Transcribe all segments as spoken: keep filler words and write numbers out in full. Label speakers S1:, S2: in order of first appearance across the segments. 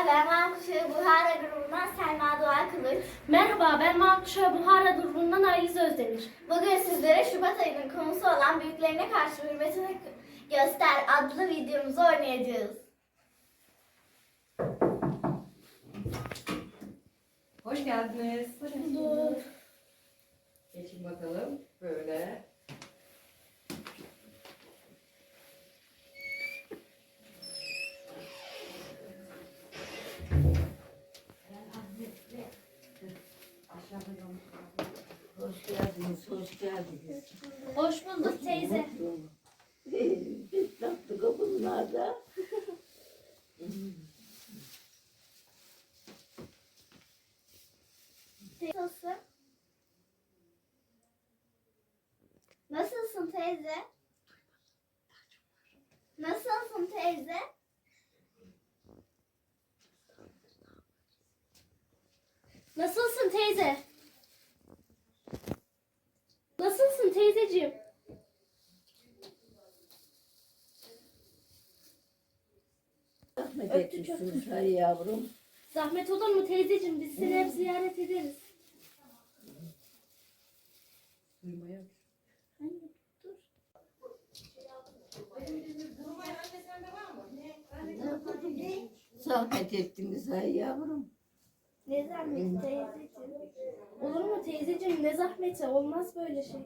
S1: ben Mankuşa Buhara grubundan Selma Doğan Kılıç.
S2: Merhaba, ben Mankuşa Buhara grubundan Ayız Özdemir.
S1: Bugün sizlere Şubat ayının konusu olan büyüklerine karşı hürmetini göster adlı videomuzu oynayacağız.
S3: Hoş geldiniz.
S2: Hoş bulduk.
S3: Geçin bakalım. Böyle.
S4: Hoş geldiniz, hoş geldiniz.
S2: Hoş bulduk teyze.
S4: Biz yaptık o bunlarda.
S1: Nasılsın? Nasılsın teyze? Nasılsın teyze?
S2: Nasılsın teyze? Nasılsın teyzeciğim?
S4: Rahmet etmişsiniz hay yavrum.
S2: Zahmet olur mu teyzeciğim? Biz seni hep ziyaret ederiz.
S3: Duymaya.
S4: Zahmet ettiniz hay yavrum.
S1: Ne zahmet teyzeciğim?
S2: Olur mu teyzeciğim? Ne zahmeti? Olmaz böyle şey.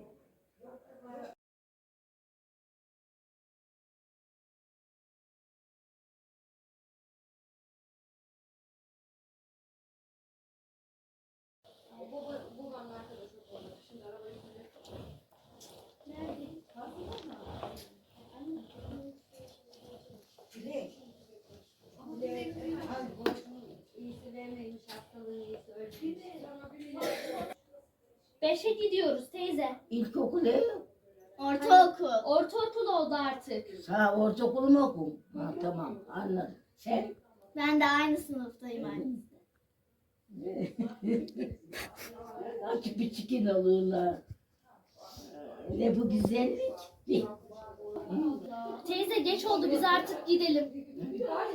S2: Beşe gidiyoruz teyze.
S4: İlkokul ev.
S1: Ortaokul.
S2: Ortaokul oldu artık.
S4: Ha ortaokul mu okum? Ha tamam anladım. Sen?
S1: Ben de aynı sınıftayım aynı.
S4: Açık bir çikin olurlar. Ne bu güzellik? Bir.
S2: Teyze geç oldu, biz artık gidelim.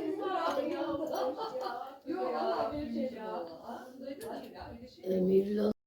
S4: Emirli